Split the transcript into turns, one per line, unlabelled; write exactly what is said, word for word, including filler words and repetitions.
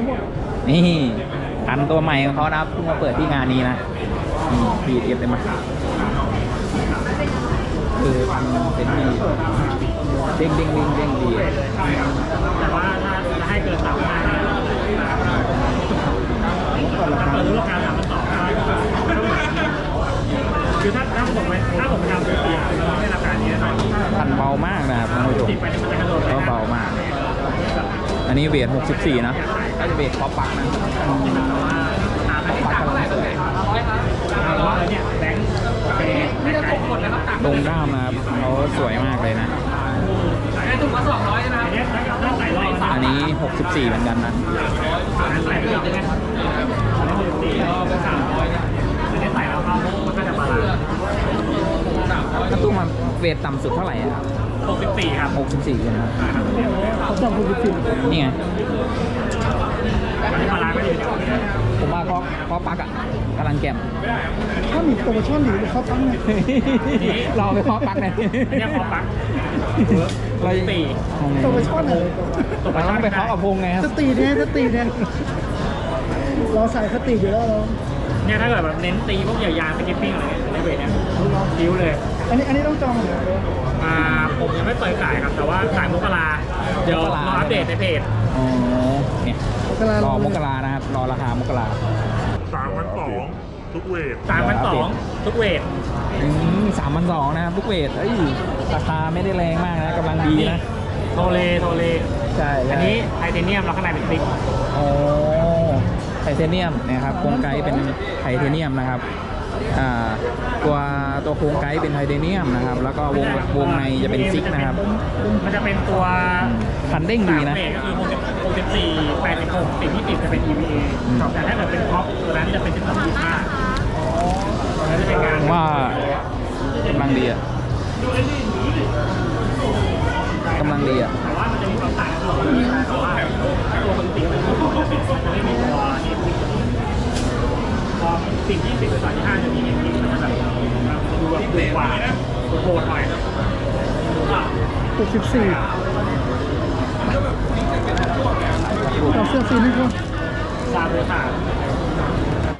ทั้งหมด
นี่พันตัวใหม่ของเขานะครับเพิ่งมาเปิดที่งานนี้นะบีเอฟเลยมาคือพันเป็นดีเด้งเด้งเด้งเด้งดี
แต่ว่าถ้าจะให้เกินสามพันถ้าเปิดรูปการสามพันสองคือถ้าถ้าผมถ้าผมทำเป็นปีในราคานี้นะ
พันเบามากนะครับท่านผู้ชมก็เบามากอันนี้เวทหกสิบสี่นะก็จะเวทคอปักนะปักกำลังสวยตรงด้ามนะครับเขาสวยมากเลยนะอันนี้หกสิบสี่เหมือนกันนะถ้าตู้มาเวทต่ำสุดเท่าไหร่ครับ
หกสิบสี่ครับ
หกสิบสี่ใช่ไหม
เขาจับหกสิบสี่
นี่ไง
มาล้างไม่ดี
ผมว่าเพราะเพราะปักอ่ะกำลังแก่ม
ถ้ามีโปรโมชั่นหรือเขาตั้งเนี่ย
เราไปเพาะปักเนี่ย
เนี่ยเพาะปัก
เราตี
โปรโมชั่นอะไร
เราต้องไปเพาะกับพงไงครับ
สตีเนี่ยสตีเนี่ยเราใส่สตีอยู่แล้วเรา
เนี่ยถ้าเกิดแบบเน้นตีพวกยาวๆสกิปปิ้งอะไรในเวทเนี่ยคิ้วเลย
อันนี้อันนี้ต้องจองเหรอ
อ่าผมยังไม่เปิดขายครับแต่ว่าขายมกราเดี๋ยวรออัปเดตในเพจ
อ๋อเนี่ยรอมกรานะครับรอราคามกรา
สามพันสองทุกเวท
สามพันสองทุกเวท
สามพันสองนะครับทุกเวทเอ้ยราคาไม่ได้แรงมากนะกำลังดีนะ
โทเลโทเล
ใช่
อันนี้ไทเทเนียมแล้วข้างในเป็นซิก
โอ้ไทเทเนียมนะครับโครงไกด์เป็นไทเทเนียมนะครับอ่าตัวตัวโครงไกด์เป็นไทเทเนียมนะครับแล้วก็วงวงในจะเป็นซิกนะครับ
มันจะเป็นตัว
คันเด้งดีนะ
คือหกสิบสี่ แปดสิบหก สี่ยี่สิบจะเป็น อี วี เอ แต่ถ้าเกิดเป็นท็อปตัวนั้นจะเป็นสิบสอง ยี่สิบห้าตัวนั้นจะเป็นงาน
ว่ากำลังดีอ่ะกำลังดีอ่ะ
แต่ว่ามันจะมีความต่างตัวแต่ว่าตัวปกติมันจะไม่มีตัวนี้พอสิบ ยี่สิบ หรือสามยี่สิบห้าจะมีเอ็นดิ้งมันจะแบบดูแบบดูกว่าโหดหน่อย
หกสิบสี่เอาเสื้อซีนี่ก็
ซาโบถา